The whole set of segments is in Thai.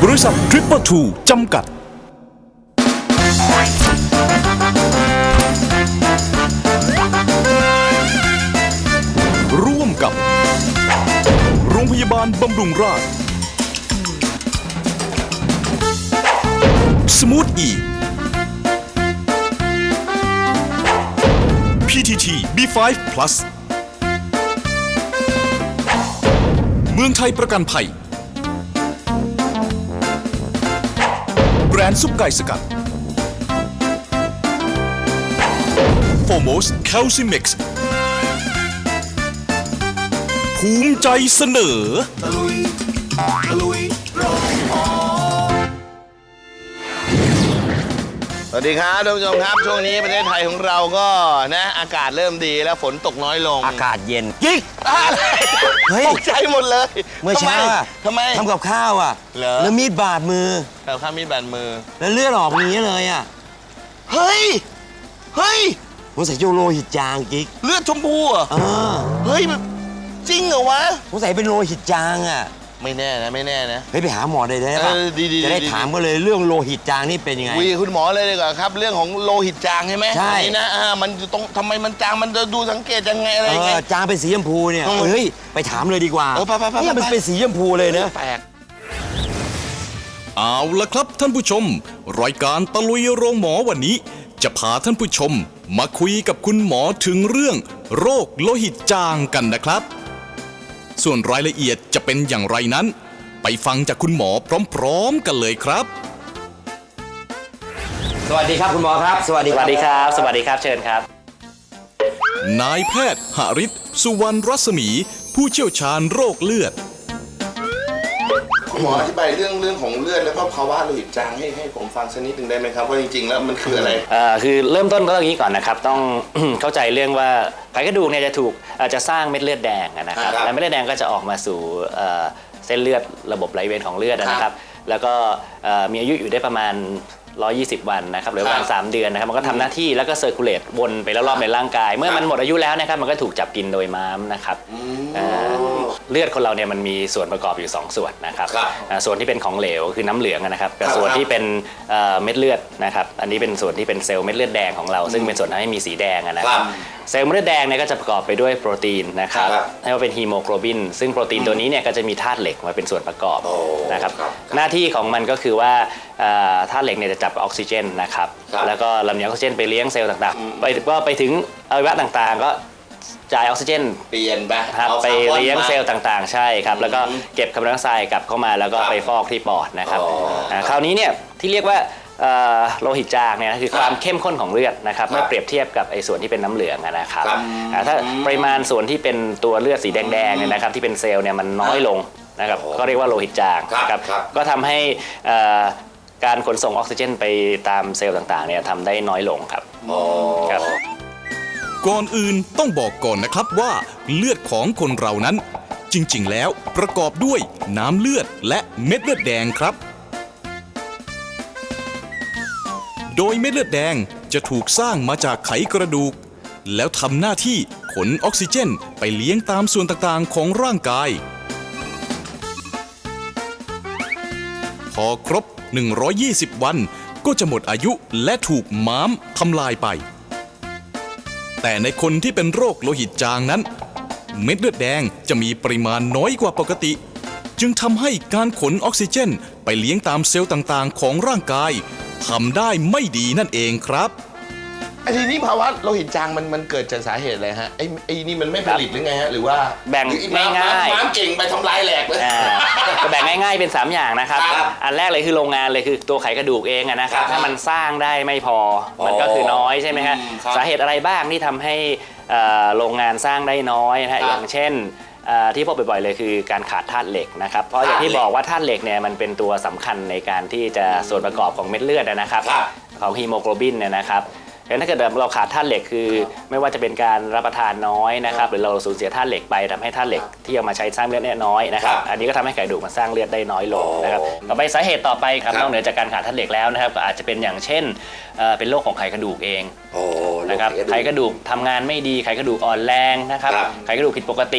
บริษัท Triple Two จำกัดร่วมกับโรงพยาบาลบำรุงราษฎร์สมูทอีPTT B5 Plus เมืองไทยประกันภัยแบรนด์ซุปไก่สกัด Foremost Calcimex ภูมิใจเสนอสวัสดีครับท่านผู้ชมครับช่วงนี้ประเทศไทยของเราก็นะอากาศเริ่มดีแล้วฝนตกน้อยลงอากาศเย็นยิกอะไรตกใจหมดเลยเมื่อเช้าทำไมทำกับข้าวอ่ะแล้วมีดบาดมือแล้วข้ามีดบาดมือแล้วเลือดออกอย่างนี้เลยอ่ะเฮ้ยผมใส่โยโลหิตจางกิ๊กเลือดชมพูอ่ะเฮ้ยจริงเหรอวะผมใส่เป็นโลหิตจางอ่ะไม่แน่นะเฮ้ยไปหาหมอได้ป่ะจะได้ถามกันเลยเรื่องโลหิตจางนี่เป็นยังไงคุยคุณหมอเลยดีกว่าครับเรื่องของโลหิตจางใช่ไหมใช่นี่นะมันต้องทำไมมันจางมันจะดูสังเกตยังไงอะไรยังไงจางเป็นสีชมพูเนี่ยเฮ้ยไปถามเลยดีกว่าไปเนี่ยมันเป็นสีชมพูเลยนะแปลกเอาละครับท่านผู้ชมรายการตะลุยโรงหมอวันนี้จะพาท่านผู้ชมมาคุยกับคุณหมอถึงเรื่องโรคโลหิตจางกันนะครับส่วนรายละเอียดจะเป็นอย่างไรนั้นไปฟังจากคุณหมอพร้อมๆกันเลยครับสวัสดีครับคุณหมอครับสวัสดีครับเชิญครับนายแพทย์หฤทธิ์สุวรรณรัศมีผู้เชี่ยวชาญโรคเลือดหมออธิบายเรื่องของเลือดแล้วก็ภาวะโลหิตจางให้ผมฟังสักนิดหนึ่งได้ไหมครับว่าจริงๆแล้วมันคืออะไรคือเริ่มต้นก็อย่างนี้ก่อนนะครับต้อง เข้าใจเรื่องว่าไขกระดูกเนี่ยจะสร้างเม็ดเลือดแดงนะครับและเม็ดเลือดแดงก็จะออกมาสู่เส้นเลือดระบบไหลเวียนของเลือดนะครับแล้วก็มีอายุอยู่ได้ประมาณ120 วันนะครับหรือประมาณ3 เดือนนะครับมันก็ทำหน้าที่แล้วก็เซอร์คูลเลตวนไปรอบๆในร่างกายเมื่อมันหมดอายุแล้วนะครับมันก็ถูกจับกินโดยม้ามนะครับเลือดคนเราเนี่ยมันมีส่วนประกอบอยู่2 ส่วนนะครับส่วนที่เป็นของเหลวคือน้ำเหลืองนะครับกับส่วนที่เป็นเม็ดเลือดนะครับอันนี้เป็นส่วนที่เป็นเซลล์เม็ดเลือดแดงของเราซึ่งเป็นส่วนทำให้มีสีแดงนะครับเซลล์เม็ดเลือดแดงเนี่ยก็จะประกอบไปด้วยโปรตีนนะครับเรียกว่าเป็นฮีโมโกลบินซึ่งโปรตีนตัวนี้เนี่ยก็จะมีธาตุเหล็กมาเป็นส่วนประกอบนะครับหน้าที่ของมันก็คือว่าธาตุเหล็กเนี่ยจะจับออกซิเจนนะครับแล้วก็ลำเลียงออกซิเจนไปเลี้ยงเซลล์ต่างๆไปถึงอวัยวะต่างๆก็จ่ายออกซิเจนเปลี่ยนไปเลี้ยงเซลล์ต่างๆใช่ครับแล้วก็เก็บคาร์บอนไดออกไซด์กลับเข้ามาแล้วก็ไปฟอกที่ปอดนะครับคราวนี้เนี่ยที่เรียกว่าโลหิตจางเนี่ยคือความเข้มข้นของเลือดนะครับเมื่อเปรียบเทียบกับไอ้ส่วนที่เป็นน้ำเหลืองนะครับถ้าปริมาณส่วนที่เป็นตัวเลือดสีแดงๆเนี่ยนะครับที่เป็นเซลล์เนี่ยมันน้อยลงนะครับก็เรียกว่าโลหิตจางนะครับก็ทำให้การขนส่งออกซิเจนไปตามเซลล์ต่างๆเนี่ยทำได้น้อยลงครับก่อนอื่นต้องบอกก่อนนะครับว่าเลือดของคนเรานั้นจริงๆแล้วประกอบด้วยน้ำเลือดและเม็ดเลือดแดงครับโดยเม็ดเลือดแดงจะถูกสร้างมาจากไขกระดูกแล้วทำหน้าที่ขนออกซิเจนไปเลี้ยงตามส่วนต่างๆของร่างกายพอครบ120 วันก็จะหมดอายุและถูกม้ามทำลายไปแต่ในคนที่เป็นโรคโลหิตจางนั้นเม็ดเลือดแดงจะมีปริมาณน้อยกว่าปกติจึงทำให้การขนออกซิเจนไปเลี้ยงตามเซลล์ต่างๆของร่างกายทำได้ไม่ดีนั่นเองครับทีนี้ภาวะโลหิตจางมันเกิดจากสาเหตุอะไรฮะไอ้นี่มันไม่ผลิตหรือไงฮะหรือว่าแบ่งง่ายๆน้ำเก่งไปทำลายแหลกเลยก็แบ่งง่ายๆเป็น3 อย่างนะครับอันแรกเลยคือโรงงานเลยคือตัวไขกระดูกเองนะครับถ้ามันสร้างได้ไม่พอมันก็คือน้อยใช่ไหมฮะสาเหตุอะไรบ้างที่ทำให้โรงงานสร้างได้น้อยนะฮะอย่างเช่นที่พบบ่อยๆเลยคือการขาดธาตุเหล็กนะครับเพราะอย่างที่บอกว่าธาตุเหล็กเนี่ยมันเป็นตัวสำคัญในการที่จะส่วนประกอบของเม็ดเลือดนะครับของฮีโมโกลบินเนี่ยนะครับถ้าเกิดเราขาดธาตุเหล็กคือไม่ว่าจะเป็นการรับประทานน้อยนะครับหรือเราสูญเสียธาตุเหล็กไปทำให้ธาตุเหล็กที่เอามาใช้สร้างเลือดเนี่ยน้อยนะครับอันนี้ก็ทำให้ไขกระดูกมันสร้างเลือดได้น้อยลงนะครับต่อไปสาเหตุต่อไปครับนอกเหนือจากการขาดธาตุเหล็กแล้วนะครับก็อาจจะเป็นอย่างเช่นเป็นโรคของไขกระดูกเองนะครับไขกระดูกทำงานไม่ดีไขกระดูกอ่อนแรงนะครับไขกระดูกผิดปกติ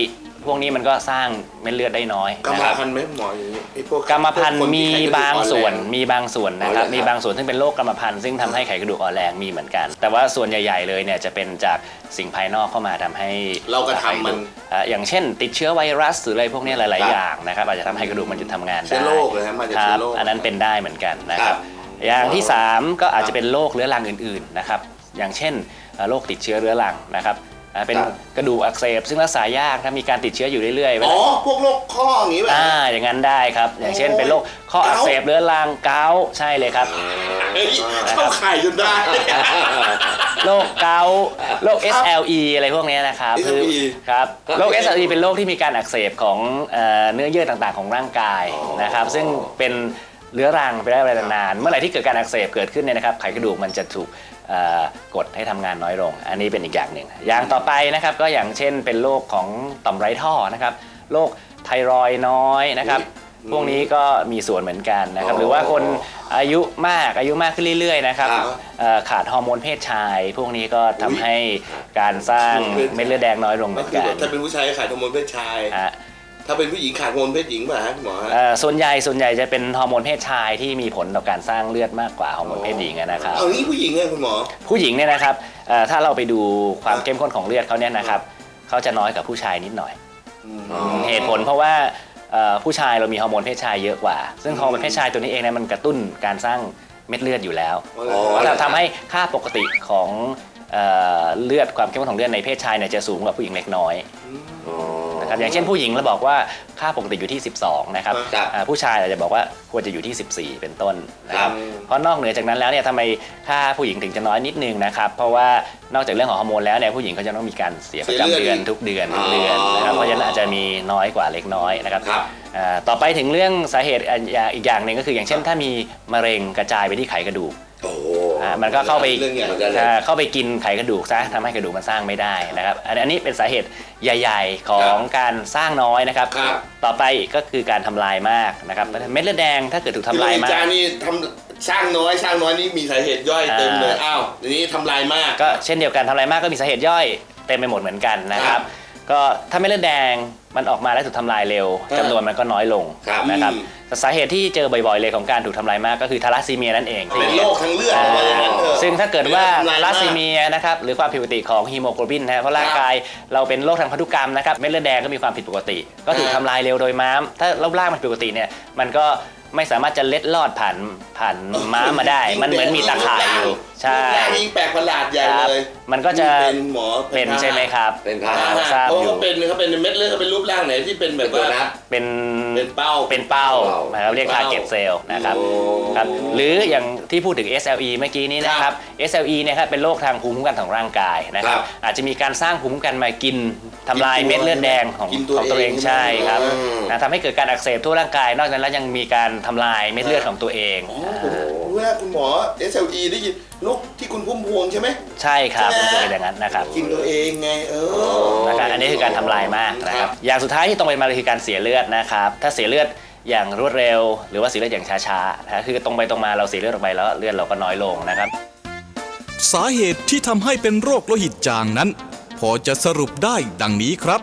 พวกนี้มันก็สร้างเม็ดเลือดได้น้อยกรรนะมครับพันธุ์ไหมหมออย่างนี้ไอ้พวกกรรมพันธุ์พวกคมีที่ไขกระดูกบางส่วนอ่อแรงมีบางส่วนนะครับอ๋อเหรอครับมีบางส่วนซึ่งเป็นโรคกรรมพันธุ์ซึ่งทำให้ไขกระดูกอ่อนแรงมีเหมือนกัน แต่ว่าส่วนใหญ่ๆเลยเนี่ยจะเป็นจากสิ่งภายนอกเข้ามาทำให้เรากระทำมันอย่างเช่น ติดเชื้อไวรัสหรืออะไรพวกนี้หลายครับๆอย่างนะครับอาจจะทำให้กระดูกมันหยุดทำงานได้เชื้อโรคเลยฮะมาจากคเชื้รัอบ โรคอันนั้นเป็นได้เหมือนกันนะคครัรับบ อย่างที่ 3 ก็อาจจะเป็นโรคเรื้อรังอื่นๆนะครับอย่างเช่นโรคติดเชื้อเรื้อรังนะครับเป็นครับกระดูกอักเสบซึ่งรักษายากถ้ามีการติดเชื้ออยู่เรื่อยๆเวอ๋อลาพวกโรคข้ออย่างนี้แบบอย่างนั้นได้ครับ อย่างเช่นเป็นโรคข้ออักเสบเรื้อรังเกาต์ใช่เลยครับเฮ้ยเข้าข่ายจนได้โรคเกาต์โรค SLE อะไรพวกนี้นะครับ SLE ครับโรค SLE เป็นโรคที่มีการอักเสบของเนื้อเยื่อต่างๆของร่างกายนะครับซึ่งเป็นเรื้อรังไปได้เวลานานเมื่อไหร่ที่เกิดการอักเสบเกิดขึ้นเนี่ยนะครับไขกระดูกมันจะถูกกดให้ทำงานน้อยลงอันนี้เป็นอีกอย่างหนึ่งอย่างต่อไปนะครับก็อย่างเช่นเป็นโรคของต่อมไร้ท่อนะครับโรคไทรอยด์น้อยนะครับพวกนี้ก็มีส่วนเหมือนกันนะครับหรือว่าคนอายุมากขึ้นเรื่อยๆนะครับขาดฮอร์โมนเพศชาย พวกนี้ก็ทำให้การสร้างเม็ดเลือดแดงน้อยลงเหมือนคือกันแบบถ้าเป็นผู้ชายขาดฮอร์โมนเพศชาย ถ้าเป็นผู้หญิงขาดฮอร์โมนเพศหญิงป่ะฮะคุณหมอฮะส่วนใหญ่จะเป็นฮอร์โมนเพศชายที่มีผลต่อการสร้างเลือดมากกว่าฮอร์โมนเพศหญิงนะครับเอางี้ผู้หญิงเนี่ยคุณหมอผู้หญิงเนี่ยนะครับถ้าเราไปดูความเข้มข้นของเลือดเขาเนี่ยนะครับเขาจะน้อยกว่าผู้ชายนิดหน่อยเหตุผลเพราะว่าผู้ชายเรามีฮอร์โมนเพศชายเยอะกว่า ซึ่งฮอร์โมนเพศชายตัวนี้เองเนี่ยมันกระตุ้นการสร้างเม็ดเลือดอยู่แล้วทำให้ค่าปกติของเลือดความเข้มข้นของเลือดในเพศชายเนี่ยจะสูงกว่าผู้หญิงเล็กน้อยนะครับอย่างเช่นผู้หญิงเราบอกว่าค่าปกติอยู่ที่ 12นะครับผู้ชายอาจจะบอกว่าควรจะอยู่ที่ 14 เป็นต้นนะครับเพราะนอกเหนือจากนั้นแล้วเนี่ยทำไมค่าผู้หญิงถึงจะน้อยนิดนึงนะครับเพราะว่านอกจากเรื่องของฮอร์โมนแล้วเนี่ยผู้หญิงเขาจะต้องมีการเสียประจำเดือนทุกเดือนนะครับเพราะฉะนั้นอาจจะมีน้อยกว่าเล็กน้อยนะครับต่อไปถึงเรื่องสาเหตุอีกอย่างหนึ่งก็คืออย่างเช่นถ้ามีมะเร็งกระจายไปที่ไขกระดูกมันก็เข้าไปกินไขกระดูกซะทำให้กระดูกมันสร้างไม่ได้นะครับอันนี้เป็นสาเหตุใหญ่ๆของการสร้างน้อยนะครับต่อไปก็คือการทำลายมากนะครับเม็ดเลือดแดงถ้าเกิดถูกทำลายมากจานี่ทำสร้างน้อยนี่มีสาเหตุย่อยเต็มเลยอ้าวทีนี้ทำลายมากก็เช่นเดียวกันทำลายมากก็มีสาเหตุย่อยเต็มไปหมดเหมือนกันนะครับก็ถ้าเม็ดเลือดแดงมันออกมาแล้วถูกทำลายเร็วจำนวนมันก็น้อยลงนะครับสาเหตุที่เจอบ่อยๆเลยของการถูกทำลายมากก็คือทาลัสซีเมียนั่นเองเป็นโรคทางเลือดอะไรอย่างนั้นเถอะซึ่งถ้าเกิดว่าทาลัสซีเมียนะครับหรือความผิดปกติของฮีโมโกลบินนะเพราะร่างกายเราเป็นโรคทางพันธุกรรมนะครับเม็ดเลือดแดงก็มีความผิดปกติก็ถูกทำลายเร็วโดยม้ามถ้ารูปร่างมันผิดปกติเนี่ยมันก็ไม่สามารถจะเล็ดลอดผ่านม้ามาได้มันเหมือนมีตาข่ายอยู่ใช่ยิ่งแปลกประหลาดใหญ่เลยมันก็จะเป็นหมอเป็นใช่ไหมครับเป็นครับทราบอยู่เขาเป็นเม็ดเลือดเขาเป็นรูปร่างไหนที่เป็นแบบว่าเป็นเป้านะครับเรียกทาร์เก็ตเซลล์นะครับครับหรืออย่างที่พูดถึง SLE เมื่อกี้นี้นะครับ SLE เนี่ยครับเป็นโรคทางภูมิคุ้มกันของร่างกายนะครับอาจจะมีการสร้างภูมิคุ้มกันมากินทำลายเม็ดเลือดแดงของตัวเองใช่ครับทำให้เกิดการอักเสบทั่วร่างกายนอกจากนั้นแล้วยังมีการทำลายเม็ดเลือดของตัวเองผมรู้แล้วคุณหมอ SLE ได้ยินโรคที่คุณพุ่มพวงใช่ไหมใช่ครับมันจะเป็นอย่างนั้นนะครับกินตัวเองไงนะครับอันนี้คือการทำลายมากนะครับอย่างสุดท้ายที่ตรงไปมาเลยคือการเสียเลือดนะครับถ้าเสียเลือดอย่างรวดเร็วหรือว่าเสียเลือดอย่างช้าๆนะคือตรงไปตรงมาเราเสียเลือดออกไปแล้วเลือดเราก็น้อยลงนะครับสาเหตุที่ทำให้เป็นโรคโลหิตจางนั้นพอจะสรุปได้ดังนี้ครับ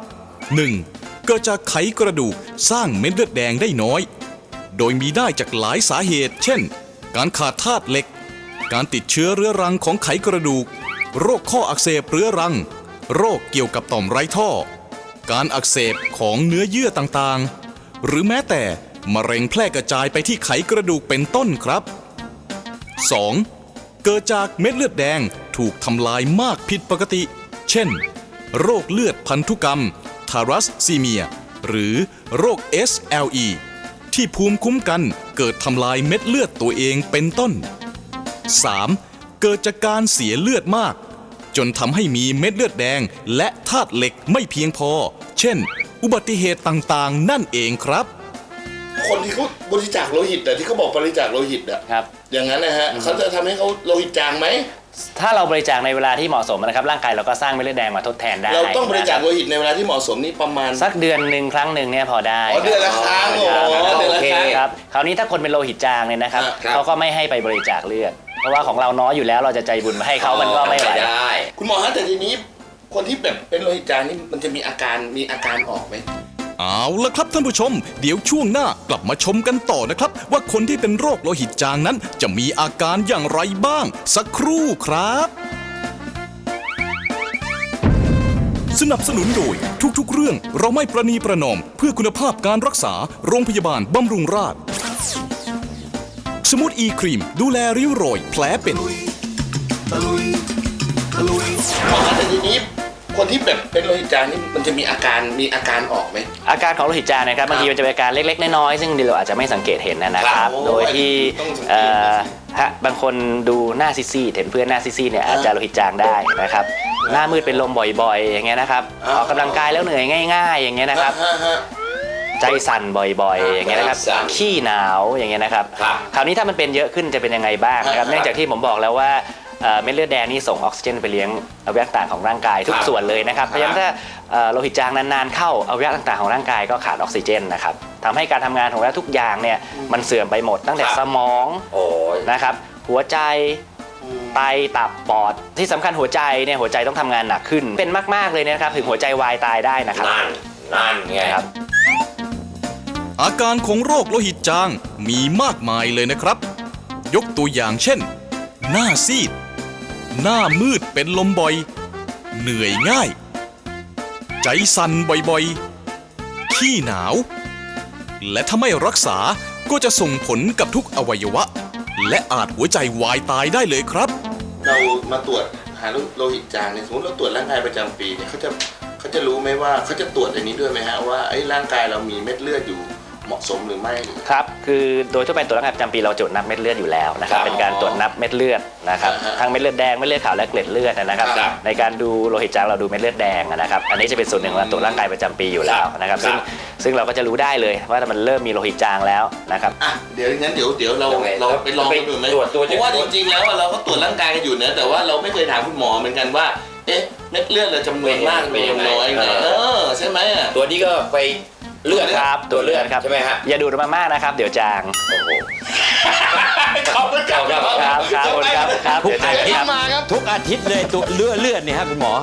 1. เกิดจากไขกระดูกสร้างเม็ดเลือดแดงได้น้อยโดยมีได้จากหลายสาเหตุเช่นการขาดธาตุเหล็กการติดเชื้อเรื้อรังของไขกระดูกโรคข้ออักเสบเรื้อรังโรคเกี่ยวกับต่อมไร้ท่อการอักเสบของเนื้อเยื่อต่างๆหรือแม้แต่มะเร็งแพร่กระจายไปที่ไขกระดูกเป็นต้นครับ 2. เกิดจากเม็ดเลือดแดงถูกทำลายมากผิดปกติเช่นโรคเลือดพันธุกรรมทารัสซีเมียหรือโรค SLE ที่ภูมิคุ้มกันเกิดทำลายเม็ดเลือดตัวเองเป็นต้น 3. เกิดจากการเสียเลือดมากจนทำให้มีเม็ดเลือดแดงและธาตุเหล็กไม่เพียงพอเช่นอุบัติเหตุต่างๆนั่นเองครับคนที่เขาบริจาคโลหิตแต่ที่เขาบอกบริจาคโลหิตอะอย่างนั้นนะฮะเขาจะทำให้เขาโลหิตจางไหมถ้าเราบริจาคในเวลาที่เหมาะสมนะครับร่างกายเราก็สร้างเม็ดเลือดแดงมาทดแทนได้เราต้องบริจาคโลหิตในเวลาที่เหมาะสมนี่ประมาณสักเดือนหนึ่งครั้งหนึ่งเนี่ยพอได้เดือนละครั้งโอเคครับคราวนี้ถ้าคนเป็นโลหิตจางเนี่ยนะครับเขาก็ไม่ให้ไปบริจาคเลือดเพราะว่าของเราน้อยอยู่แล้วเราจะใจบุญมาให้เขามันก็ไม่ไหวคุณหมอฮะแต่ทีนี้คนที่แบบเป็นโลหิตจางนี่มันจะมีอาการออกไหมเอาละครับท่านผู้ชม เดี๋ยวช่วงหน้ากลับมาชมกันต่อนะครับ ว่าคนที่เป็นโรคโลหิตจางนั้นจะมีอาการอย่างไรบ้าง สักครู่ครับ สนับสนุนโดยทุกๆเรื่องเราไม่ประนีประนอมเพื่อคุณภาพการรักษาโรงพยาบาลบำรุงราษฎร์สมูทอีครีมดูแลริ้วรอยแผลเป็นหมอแต่ทีนี้คนที่แบบเป็นโลหิตจางนี่มันจะมีอาการออกไหมอาการของโลหิตจางนะครับบางทีมันจะเป็นอาการเล็กๆน้อยๆซึ่งเราอาจจะไม่สังเกตเห็นนะครับโอ้ยโดยที่ต้องสังเกตนะสิบางคนดูหน้าซีดๆเห็นเพื่อนหน้าซีดๆเนี่ยอาจจะโลหิตจางได้นะครับหน้ามืดเป็นลมบ่อยๆอย่างเงี้ยนะครับออกกำลังกายแล้วเหนื่อยง่ายๆอย่างเงี้ยนะครับฮะใจสั่นบ่อยๆอย่างเงี้ยนะครับใจสั่นขี้หนาวอย่างเงี้ยนะครับครับคราวนี้ถ้ามันเป็นเยอะขึ้นจะเป็นยังไงบ้างนะครับครับเนื่องจากที่ผมบอกแล้วว่าเม็ดเลือดแดงนี่ส่งออกซิเจนไปเลี้ยงอวัยวะต่างๆของร่างกายทุกครับส่วนเลยนะครับครับเพราะฉะนั้นถ้าโลหิตจางนานๆเข้าอวัยวะต่างๆของร่างกายก็ขาดออกซิเจนนะครับทำให้การทำงานของอวัยวะทุกอย่างเนี่ยมันเสื่อมไปหมดตั้งแต่ครับสมองโอ้ยนะครับหัวใจไตตับปอดที่สำคัญหัวใจเนี่ยหัวใจต้องทำงานหนักขึ้นเป็นมากๆเลยนะครับถึงหัวใจวายตายได้นะครับนั่นไงครับอาการของโรคโลหิตจางมีมากมายเลยนะครับ ยกตัวอย่างเช่น หน้าซีด หน้ามืดเป็นลมบ่อย เหนื่อยง่าย ใจสั่นบ่อยๆ ขี้หนาว และถ้าไม่รักษาก็จะส่งผลกับทุกอวัยวะ และอาจหัวใจวายตายได้เลยครับเรามาตรวจหาโลหิตจางเนี่ยสมมติเราตรวจร่างกายประจำปีเนี่ยเขาจะรู้ไหมว่าเขาจะตรวจอันนี้ด้วยไหมฮะว่าไอ้ร่างกายเรามีเม็ดเลือดอยู่เหมาะสมหรือไม่ครับคือโดยทั่วไปตรวจร่างกายประจำปีเราตรวจนับเม็ดเลือดอยู่แล้วนะครับครับเป็นการตรวจนับเม็ดเลือดนะครับอ่าฮะทั้งเม็ดเลือดแดงเม็ดเลือดขาวและเกล็ดเลือดนะครับครับในการดูโลหิตจางเราดูเม็ดเลือดแดงนะครับอันนี้จะเป็นส่วนหนึ่งของการตรวจร่างกายประจำปีอยู่แล้วนะครับครับซึ่งเราก็จะรู้ได้เลยว่ามันเริ่มมีโลหิตจางแล้วนะครับอ่ะเดี๋ยวงั้นเดี๋ยวเรายังไงไปลองกันดูไหมตรวจเพราะว่าจริงๆแล้วอะเราก็ตรวจร่างกายกันอยู่นะแต่ว่าเราไม่เคยถามคุณหมอเหมือนกันว่าเอ๊ะเม็ดเลือดเราจำนวนมากเป็นจำนยัวนงไงน้อยไงใช่ไหมอะตัวนี้ก็ไปเลือดครับตัวเลือดครับใช่ไหมฮะอย่าดูดมามากนะครับเดี๋ยวจางโอ้โหขอบคุณครับครับครับทุกเดี๋ยวอาจางทิตครับย์มาครับทุกอาทิตย์เลยตัวเลือดเนี่ยฮะคุณหมอ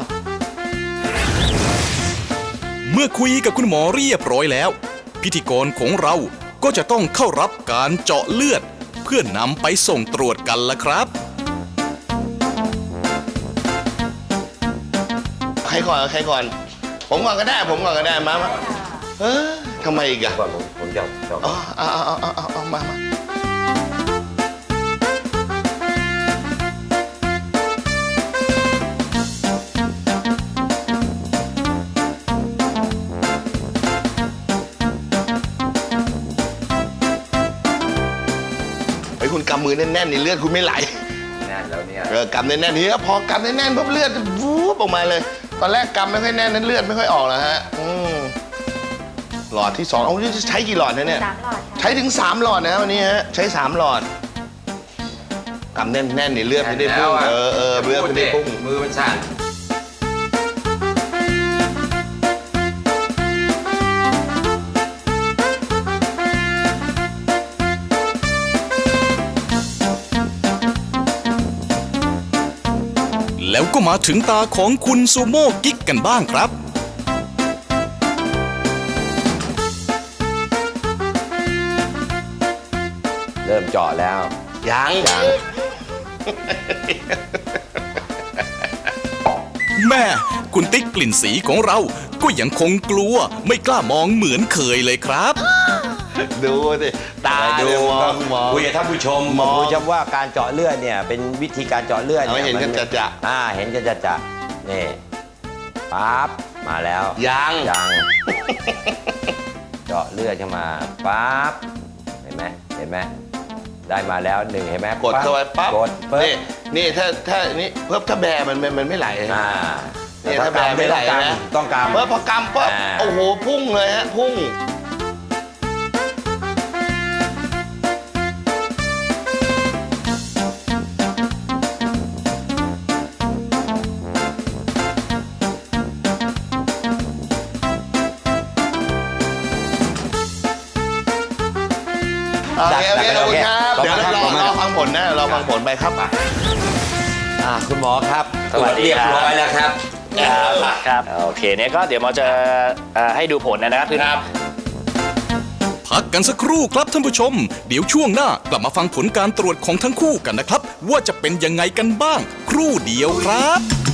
เมื่อคุยกับคุณหมอเรียบร้อยแล้ว พิธีกรของเราก็จะต้องเข้ารับการเจาะเลือด เพื่อนำไปส่งตรวจกันละครับใครก่อนผมก่อนก็ได้มาทำไมอีกอะก่อนผมจะอ๋อเอามาไอ้คุณกำมือแน่นๆนี่เลือดคุณไม่ไหลแน่นแล้วเนี่ยกำแน่นๆนี่พอกำแน่นๆปุ๊บเลือดวูบออกมาเลย ตอนแรกกำไม่ค่อยแน่นนั้นเลือดไม่ค่อยออกแล้วฮะหลอดที่2เอาจะใช้กี่หลอดนะเนี่ย 3 หลอดค่ะใช้ถึง3หลอดนะวันนี้ฮะใช้3หลอดกำแน่นๆนี่เลือดไม่ได้พุ่งเลือดไม่ได้พุ่งมือมันสั่นแล้วก็มาถึงตาของคุณซูโม่กิ๊กกันบ้างครับเริ่มเจาะแล้วยังแม่คุณติ๊กกลิ่นสีของเราก็ยังคงกลัวไม่กล้ามองเหมือนเคยเลยครับดูสิตาดูมองคุยกับท่านผู้ชมมองคุยกับว่าการเจาะเลือดเนี่ยเป็นวิธีการเจาะเลือดเอาให้เห็นกันจะเห็นกันจะนี่ปั๊บมาแล้วยังเจาะเลือดเข้ามาปั๊บเห็นไหมได้มาแล้ว1เห็นไหมกดเข้าไปปั๊บกดปึ๊บนี่ถ้านี่เพิ่มถ้าแบมันไม่ไหลนี่ถ้าแบไม่ไหลนะต้องกำเมื่อพอกำปั๊บโอ้โหพุ่งเลยฮะพุ่งโอเคขอบคุณครับเดี๋ยวรอฟังผลนะรอฟังผลไปครับคุณหมอครับสวัสดีเรียบครับร้อยแล้วครับครับโอเคเนี่ยก็เดี๋ยวหมอจะให้ดูผลนะครับคือพักกันสักครู่ครับท่านผู้ชม เดี๋ยวช่วงหน้ากลับมาฟังผลการตรวจของทั้งคู่กันนะครับ ว่าจะเป็นยังไงกันบ้าง ครู่เดียวครับ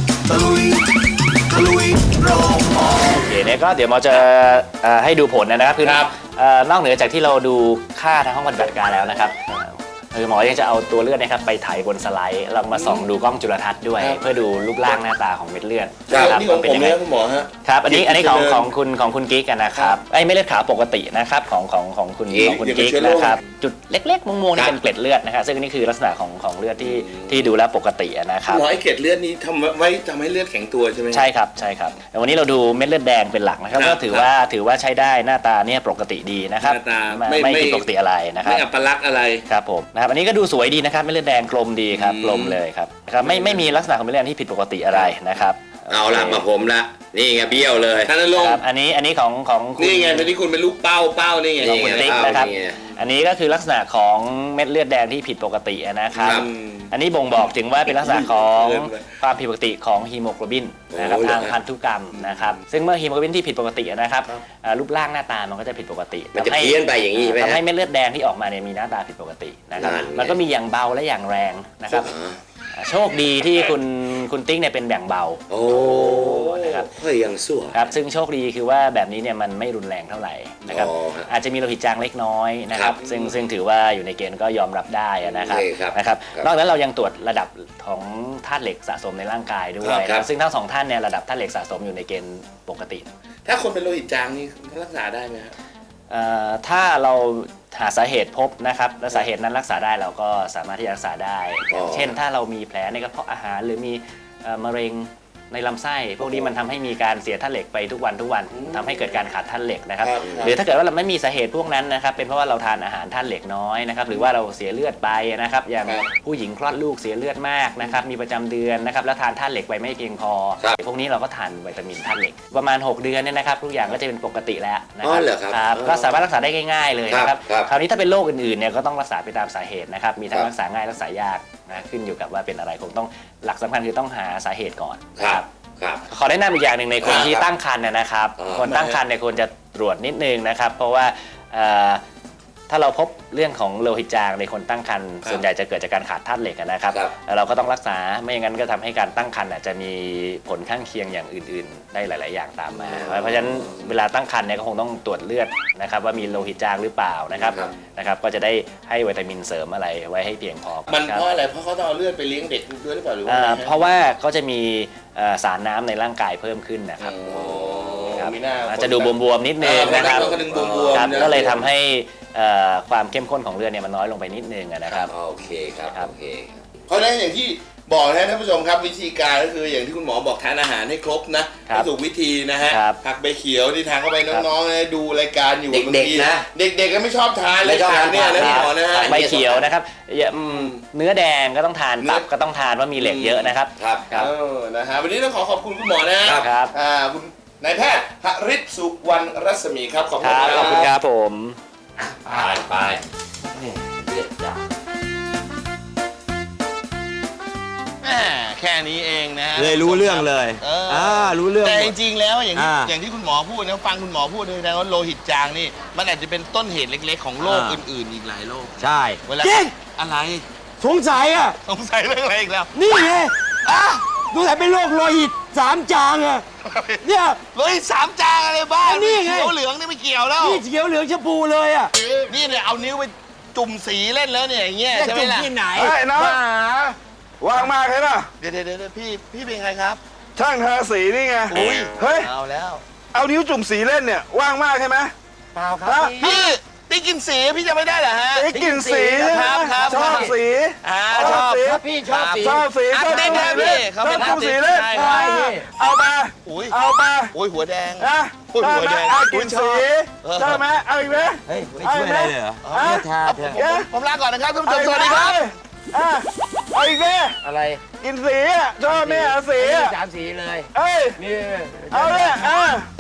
โอเคเนี่ยก็เดี๋ยวหมอจะให้ดูผลนะครับคือนอกเหนือจากที่เราดูค่าทางห้องปฏิบัติการแล้วนะครับคือหมอยังจะเอาตัวเลือดนะครับไปถ่ายบนสไลด์เรามาส่องดูกล้องจุลทรรศน์ด้วย เพื่อดูรูปร่างหน้าตาของเม็ดเลือดครับนี่ของผมยัเนี่ยคุณหมอฮะครับอันนี้ของคุณกิ๊กกันนะครับไอ้เม็ดเลือดขาวปกตินะครับของคุณกิ๊กนะครับจุดเล็กๆม่วงๆนี่เป็นเกล็ดเลือดนะครับซึ่งนี่คือลักษณะของเลือดที่ดูแล้วปกตินะครับหมอไอ้เกล็ดเลือดนี้ทำไว้ทำให้เลือดแข็งตัวใช่ไหมใช่ครับแต่วันนี้เราดูเม็ดเลือดแดงเป็นหลักนะครับครับก็ถือว่าใช้ได้หน้าตาเนี่ยปกติดีนะครับหน้าตาไม่ผิดปกติอะไรนะครับไม่อัปลักษณ์อะไรครับผมนะครับอันนี้ก็ดูสวยดีนะครับเม็ดเลือดแดงกลมดีครับกลมเลยครับไม่มีลักษณะของเม็ดเลือดที่ผิดปกติอะไรนะครับเอาละมาผมละนี่ไงเบี้ยวเลยท่านนรงค์ครับอันนี้ของคุณนี่ไงตอนนี้คุณเป็นลูกเป้านี่ไงของคุณติ๊กนะครับนี่ไงอันนี้ก็คือลักษณะของเม็ดเลือดแดงที่ผิดปกตินะครับครับอันนี้บ่งบอกถึงว่าเป็นลักษณะของเริ่มเลยความผิดปกติของฮีโมโกลบินนะครับโอ้ทางพันธุกรรมนะครับซึ่งเมื่อฮีโมโกลบินที่ผิดปกตินะครับรูปร่างหน้าตามันก็จะผิดปกติมันจะเพี้ยนไปอย่างนี้ใช่ไหมทำให้ฮะเม็ดเลือดแดงที่ออกมาเนี่ยมีหน้าตาผิดปกตินะครับนั่นไงมันก็มีอย่างเบาและอย่างแรงนะครับโชคดีที่คุณติ๊กเนี่ยเป็นแบ่งเบาโอ้นะครับเฮ้ยยังสั่วครับซึ่งโชคดีคือว่าแบบนี้เนี่ยมันไม่รุนแรงเท่าไหร่นะครับอ๋อฮะอาจจะมีโลหิตจางเล็กน้อยนะครับครับซึ่งถือว่าอยู่ในเกณฑ์ก็ยอมรับได้นะครับโอเคครับนะครับครับนอกจากนั้นเรายังตรวจระดับของธาตุเหล็กสะสมในร่างกายด้วยครับนะซึ่งทั้งสองท่านเนี่ยระดับธาตุเหล็กสะสมอยู่ในเกณฑ์ปกติถ้าคนเป็นโลหิตจางนี่รักษาได้ไหมฮะถ้าเราหาสาเหตุพบนะครับและสาเหตุนั้นรักษาได้เราก็สามารถที่จะรักษาได้อ๋อเช่นถ้าเรามีแผลในกระเพาะอาหารหรือมีมะเร็งในลำไส้พวกนี้มันทำให้มีการเสียธาตุเหล็กไปทุกวันทำให้เกิดการขาดธาตุเหล็กนะครับครับหรือถ้าเกิดว่าเราไม่มีสาเหตุพวกนั้นนะครับเป็นเพราะว่าเราทานอาหารธาตุเหล็กน้อยนะครับหรือว่าเราเสียเลือดไปนะครับอย่างครับผู้หญิงคลอดลูกเสียเลือดมากนะครับมีประจำเดือนนะครับแล้วทานธาตุเหล็กไปไม่เพียงพอครับพวกนี้เราก็ทานวิตามินธาตุเหล็กประมาณ 6 เดือนเนี่ยนะครับทุกอย่างก็จะเป็นปกติแล้วนะอ๋อเหรอครับครับก็สามารถรักษาได้ง่ายๆเลยนะครับครับคราวนี้ถ้าเป็นโรคอื่นๆเนี่ยก็ต้องรักษาไปตามสาเหตุนะครับมีทั้คงรับรักษาง่ายรักษายากนะขึ้นอยู่กับว่าเป็นอะไรคงต้องหลักสำคัญคือต้องหาสาเหตุก่อนคนะรับครับขอแนะนำอีกอย่างหนึ่งในคนที่ครับตั้งครรภ์นะครับอ๋อคนตั้งครรภ์เนี่ยควรจะตรวจนิดนึงนะครับ เพราะว่าถ้าเราพบเรื่องของโลหิตจางในคนตั้งครรภ์ส่วนใหญ่จะเกิดจากการขาดธาตุเหล็กนะครับครับแล้วเราก็ต้องรักษาไม่อย่างนั้นก็ทำให้การตั้งครรภ์อาจจะมีผลข้างเคียงอย่างอื่น ๆ ได้หลาย ๆ อย่างตามมา เพราะฉะนั้นเวลาตั้งครรภ์เนี่ยก็คงต้องตรวจเลือดนะครับว่ามีโลหิตจางหรือเปล่านะครับก็จะได้ให้วิตามินเสริมอะไรไว้ให้เพียงพอมันคบเพราะอะไรเพราะเขาต้องเอาเลือดไปเลี้ยงเด็กด้วยหรือเปล่าหรือว่าไงฮะเพราะว่าก็จะมีสารน้ำในร่างกายเพิ่มขึ้นนะครับโอ้ครับมีหน้าอาจจะดูบวมๆนิดนึงนะครับก็ดึงบวมๆครับนะก็เลยทำให้ความเข้มข้นของเลือดเนี่ยมันน้อยลงไปนิดนึงนะครับโอเคครับครับโอเคครับเพราะฉะนั้นอย่างที่บอกนะท่านผู้ชมครับวิธีการก็คืออย่างที่คุณหมอบอกทานอาหารให้ครบนะให้ถูกวิธีนะฮะครับผักใบเขียวที่ทานเข้าไปน้องๆนะดูรายการอยู่เด็กๆบางทีนะเด็กๆก็ไม่ชอบทานไม่ชอบรายการเนี่ยนะทานคุณหมอนะฮะครับใบเขียวนะครับเนื้อแดงก็ต้องทานเนื้อตับก็ต้องทานว่ามีเหล็กเยอะนะครับครับครับนะฮะวันนี้ต้องขอบคุณคุณหมอนะฮะครับคุณนายแพทย์หฤทธิ์สุวรรณรัศมีครับขอบคคุณรับคขรัอบคุณครับผมไปนี่เลือดจางแค่นี้เองนะฮะเลยรู้เรื่องเลย รู้เรื่องแต่หมจดริงๆแล้วอย่างที่อ่าอย่างที่คุณหมอพูดนะฟังคุณหมอพูดเลยนะว่าโลหิตจางนี่มันอาจจะเป็นต้นเหตุเล็กๆของโรคอ่าอื่นๆอีกหลายโรคใช่เวลาจริงอะไรสงสัยอ่ะสงสัยเรื่องอะไรอีกแล้วนี่ไงดูแต่เป็นโรคโลหิต3 จางอ่ะ เนี่ยโลหิตสามจางอะไรบ้างอันนี้ไงเขียวเหลืองนี่ไม่เกี่ยวแล้วนี่เขียวเหลืองชมพูเลยอ่ะนี่เนี่ยเอานิ้วไปจุ่มสีเล่นแล้วเนี่ยอย่างเงี้ยจะใช่ไหมจุ่มล่ะที่ไหนเฮ้ยน้องบ้าว่างมากเลยนะเดี๋ยวพี่เป็นใครครับช่างทาสีนี่ไงอุ้ยเฮ้ยเอาแล้วเอานิ้วจุ่มสีเล่นเนี่ย ว่างมากใช่ไหมเปล่าครับฮะพี่พี่ติ๊กกินสีพี่จะไม่ได้เหรอฮะไอ้กลิ่นสีใช่ไหมครับชอบสีชอบสีถ้าพี่ชอบสีชอบสีอาชอบร์ติสต์จุ่มนะสีพี่เล่นเขาชเป็อบนอาจุ่ร์มติสีสต์เล่นใช่ใช่เอามาอุ้ยเอามาโอ้ยหัวแดงนะโอ้ยชอบหัวไหมแดงเอากลิ่นสีเออชอบไหมเอาอีกไหมเฮ้ยไม่ช่วยอะไรเลยเหรอฮะทาเถอะผมลาก่อนนะครับท่านผู้ชเอามอีกสวัสไหมดีครับอ่ะเอาอีกไหมอะไรกลิ่นสีอ่ะชอบไหมอ่ะสีอ่ะ 3 สีเลยเอ้ยนี่เอาเลยอ่ะ